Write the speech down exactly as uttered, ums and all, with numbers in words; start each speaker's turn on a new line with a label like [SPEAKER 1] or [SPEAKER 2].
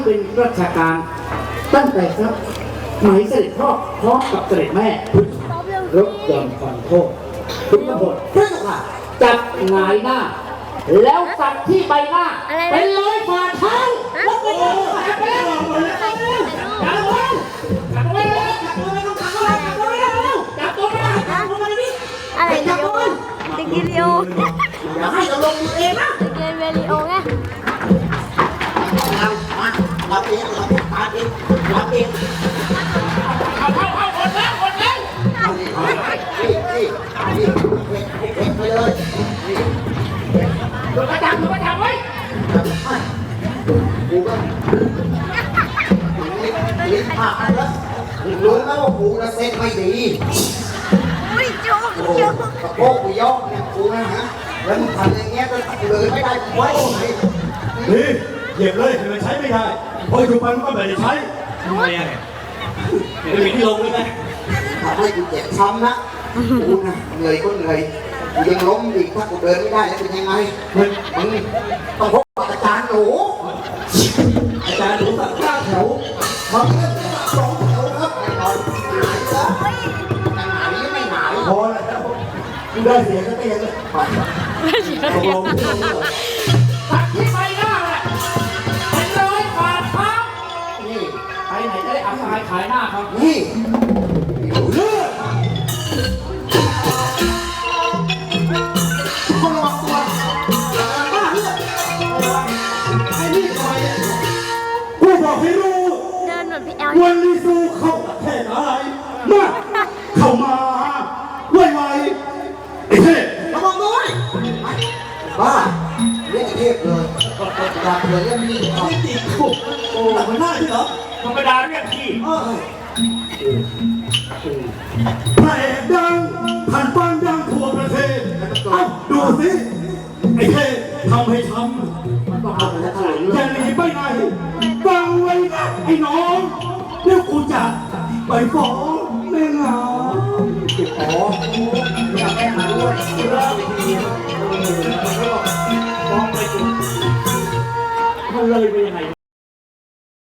[SPEAKER 1] เป็นราชการตั้งแต่ครับหมายเสด็จพ่อพร้อมกับเสด็จแม่รถยนต์ผ่อนโทษคุณตำรวจเพื่อนค่ะจับหงายหน้าแล้วสักที่ใบหน้าเป็นรอยฝ่าเท้าแล้วก็จับไปแล้วจับไปแล้วจับไปจับไปแล้วจับไปแล้วจับไปแล้วจับตัวมาจับตัวมาดิ
[SPEAKER 2] อะไรเดียวติกิริโอ
[SPEAKER 1] อย่าให้เราลงมือเองนะ
[SPEAKER 2] ติกิเวริโอไง
[SPEAKER 1] เรามาเราเองเราตาเองเราเองเอาเข้าเข้าหมดแล้วหมดแล้วนี่นี่นี่เพ่งไปเลยนี่ดูประจับดูประจับไว้กูก็ลิ้นผักแล้วรู้แล้วว่ากูจะเซ็ตไม่ดี
[SPEAKER 2] ไม่จุกจุก
[SPEAKER 1] กระโปงกูย่อเนี่ยกูนะฮะแล้วมึงทำอย่างเงี้ยก็เลยไม่ได้กูไว้
[SPEAKER 3] นี่เหยียบเลยแต่มันใช้ไม่ได้พออยู่ไปมันก็ไม่ได้ใช้ทำไมอ่ะไม่มีที่ลงเลยไหม
[SPEAKER 1] ทำให้กูเจ็บช้ำนะกูนะเหนื่อยก็เหนื่อยกูยังล้มอีกถ้ากูเดินไม่ได้แล้วเป็นยังไงมึงมึงต้องพบอาจารย์หนู
[SPEAKER 3] อาจารย์หนูสักข้าวแถว
[SPEAKER 1] มาเล่นสองแถวครับไม่นอนหายแล้วหายยังไม่หาย
[SPEAKER 3] พอแล้วกูได้เสียก็เตียงเลยตกลง
[SPEAKER 1] ตัดที่ใบหน้าแหละเป็นร้อยบาทครับนี่ไปไหนจะได้อับอายขายหน้าครับนี่เลือดคนระวังตัวบ้าเลือดไอ้นี่ทำไม
[SPEAKER 3] กูบอกให้รู้
[SPEAKER 2] เดินเหมือนพี่แอล
[SPEAKER 3] วันนี้สู้เข้าประเทศอะไรมาเข้ามาไวไวไอ้เทพ
[SPEAKER 1] ระวังด้วยบ้าเรียกเทพเลยอยากเลยเรื่องนี้
[SPEAKER 3] ไม่ติดคุกโอ้มันน่าที่เหรอ
[SPEAKER 1] ธรรมดาเรียกพี่
[SPEAKER 3] พระเอกดังผ่านฟังดังทั่วประเทศเอ้าดูสิไอ้เทพทำให้ช้ำ
[SPEAKER 1] มันต้องเอาไปแล้วเท่าไหร่
[SPEAKER 3] อย่าหนีไปไหนฟังไว้นะไอ้น้องเดี๋ยวกูจะไปฟ้องแม่งา
[SPEAKER 1] อ๋ออยากแก้หาด้วย